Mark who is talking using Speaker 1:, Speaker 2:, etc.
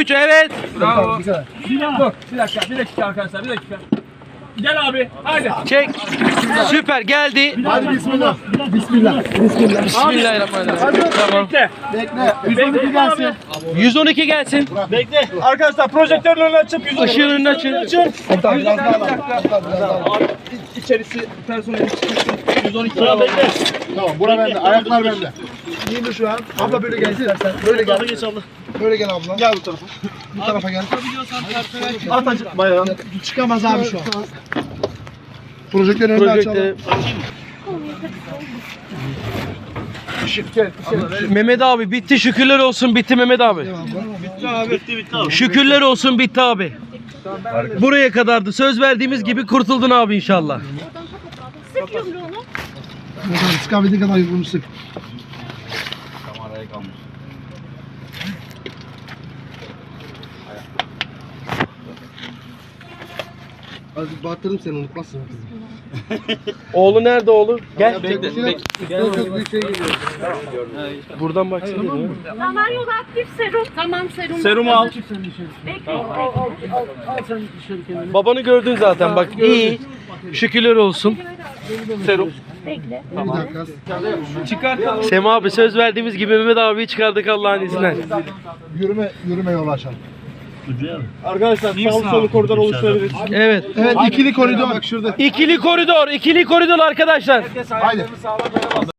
Speaker 1: 3 evet.
Speaker 2: Bravo. Dur bir dakika arkadaşlar bir dakika. Gel abi haydi.
Speaker 1: Çek. Süper geldi.
Speaker 3: Hadi bismillah. Bismillah. Bismillah.
Speaker 1: Bismillahirrahmanirrahim. Tamam.
Speaker 2: Bekle.
Speaker 3: Bekle.
Speaker 2: 112 gelsin.
Speaker 1: 112 gelsin.
Speaker 2: Bekle. Arkadaşlar projektörün önünü açıp 112.
Speaker 1: Işığın önünü açın.
Speaker 3: Komutan biraz daha var. Biraz daha var.
Speaker 2: İçerisi personel çıksın. 112 sıra bekle.
Speaker 3: Tamam bura bende. Ayaklar bende. İyi şu an. Abla böyle gel istersen. Böyle gel.
Speaker 2: Geç abla.
Speaker 3: Böyle gel abla. Gel bu tarafa. Bu tarafa gel.
Speaker 2: At acı bayağı.
Speaker 3: Çıkamaz abi şu an. Projektörün önünü açalım.
Speaker 1: Projekte.
Speaker 3: Işık gel.
Speaker 1: Mehmet abi bitti, şükürler olsun, bitti Mehmet abi.
Speaker 2: Bitti abi.
Speaker 1: Şükürler olsun, bitti abi. Buraya kadardı. Söz verdiğimiz gibi kurtuldun abi inşallah.
Speaker 4: Sık yumruğunu.
Speaker 3: Sıkabildiğin kadar yumruğunu sık. Az battırdım seni unutmazsın.
Speaker 1: Oğlu nerede oğlu? Gel.
Speaker 3: Yok yok bir şey geliyor.
Speaker 1: Buradan baksana.
Speaker 4: Samanyolu aktif serum. Tamam serum.
Speaker 2: Serumu al.
Speaker 4: Bekle.
Speaker 1: Babanı gördün zaten bak iyi. Şükürler olsun.
Speaker 2: Serum.
Speaker 4: Bekle.
Speaker 3: Bir dakika.
Speaker 2: Çıkart.
Speaker 1: Sema abi söz verdiğimiz gibi Mehmet abiyi çıkardık Allah'ın izniyle.
Speaker 3: Yürüme yolu açalım.
Speaker 2: Arkadaşlar sağlı solu koridor oluşturabiliriz.
Speaker 1: Evet.
Speaker 3: Evet ikili koridor. Bak şurada.
Speaker 1: İkili koridor arkadaşlar.
Speaker 3: Haydi.